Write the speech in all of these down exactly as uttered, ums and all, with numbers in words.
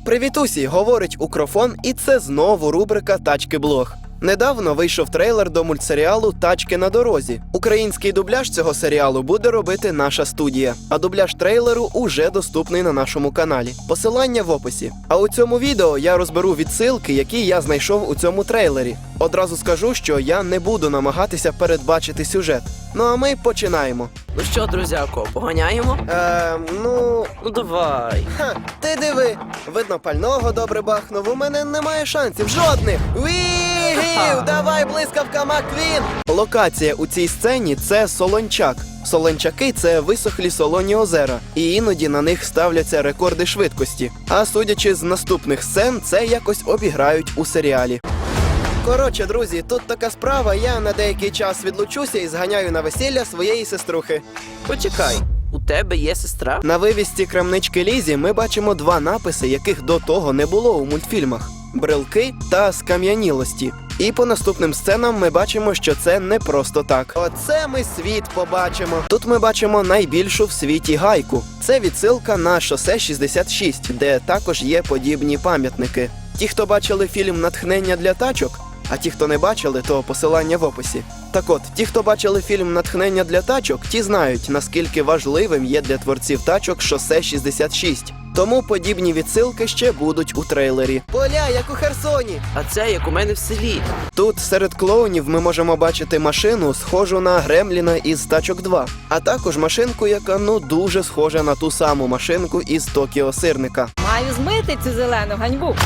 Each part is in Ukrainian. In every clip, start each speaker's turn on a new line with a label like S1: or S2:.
S1: Привіт усі, говорить Укрофон, і це знову рубрика «Тачки-блог». Недавно вийшов трейлер до мультсеріалу «Тачки на дорозі». Український дубляж цього серіалу буде робити наша студія, а дубляж трейлеру уже доступний на нашому каналі. Посилання в описі. А у цьому відео я розберу відсилки, які я знайшов у цьому трейлері. Одразу скажу, що я не буду намагатися передбачити сюжет. Ну а ми починаємо.
S2: Ну що, друзяко, поганяємо?
S1: Ем, ну...
S2: Ну давай.
S1: Ха, ти диви, видно пального добре бахнув, у мене немає шансів, жодних! Вігів, давай, блискавка Маквін! Локація у цій сцені – це Солончак. Солончаки – це висохлі солоні озера, і іноді на них ставляться рекорди швидкості. А судячи з наступних сцен, це якось обіграють у серіалі. Коротше, друзі, тут така справа, я на деякий час відлучуся і зганяю на весілля своєї сеструхи.
S2: Почекай, у тебе є сестра?
S1: На вивісці крамнички Лізі ми бачимо два написи, яких до того не було у мультфільмах – брелки та скам'янілості. І по наступним сценам ми бачимо, що це не просто так. Оце ми світ побачимо. Тут ми бачимо найбільшу в світі гайку. Це відсилка на шосе шістдесят шість, де також є подібні пам'ятники. Ті, хто бачили фільм «Натхнення для тачок», а ті, хто не бачили, то посилання в описі. Так от, ті, хто бачили фільм «Натхнення для тачок», ті знають, наскільки важливим є для творців тачок шосе шістдесят шість. Тому подібні відсилки ще будуть у трейлері. Поля, як у Херсоні!
S2: А це як у мене в селі.
S1: Тут серед клоунів ми можемо бачити машину, схожу на Гремліна із «Тачок два». А також машинку, яка, ну, дуже схожа на ту саму машинку із «Токіо Сирника».
S3: Маю змити цю зелену ганьбу.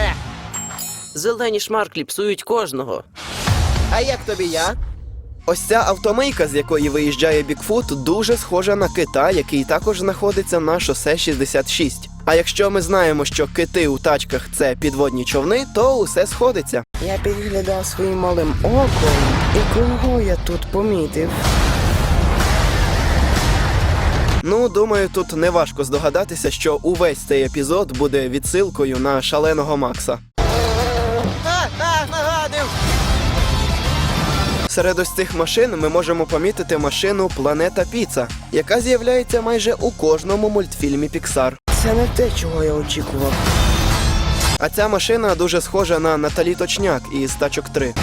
S2: Зелені шмарклі псують кожного.
S1: А як тобі я? Ось ця автомийка, з якої виїжджає Бігфут, дуже схожа на кита, який також знаходиться на шосе шістдесят шість. А якщо ми знаємо, що кити у тачках – це підводні човни, то усе сходиться.
S4: Я підглядав своїм малим оком, і кого я тут помітив?
S1: Ну, думаю, тут неважко здогадатися, що увесь цей епізод буде відсилкою на шаленого Макса. А, а, нагадив! Серед ось цих машин ми можемо помітити машину «Планета Піца», яка з'являється майже у кожному мультфільмі Pixar.
S4: Це не те, чого я очікував.
S1: А ця машина дуже схожа на Наталі Точняк із «Тачок три».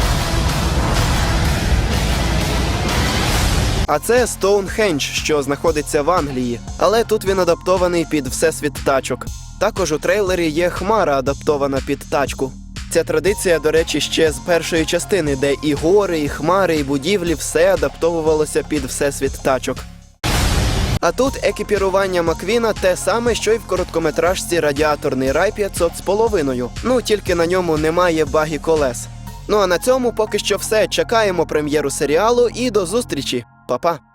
S1: А це Стоунхендж, що знаходиться в Англії, але тут він адаптований під всесвіт тачок. Також у трейлері є хмара, адаптована під тачку. Ця традиція, до речі, ще з першої частини, де і гори, і хмари, і будівлі – все адаптовувалося під всесвіт тачок. А тут екіпірування Маквіна те саме, що й в короткометражці «Радіаторний рай п'ятсот з половиною». Ну, тільки на ньому немає багі колес. Ну а на цьому поки що все. Чекаємо прем'єру серіалу і до зустрічі. Па-па!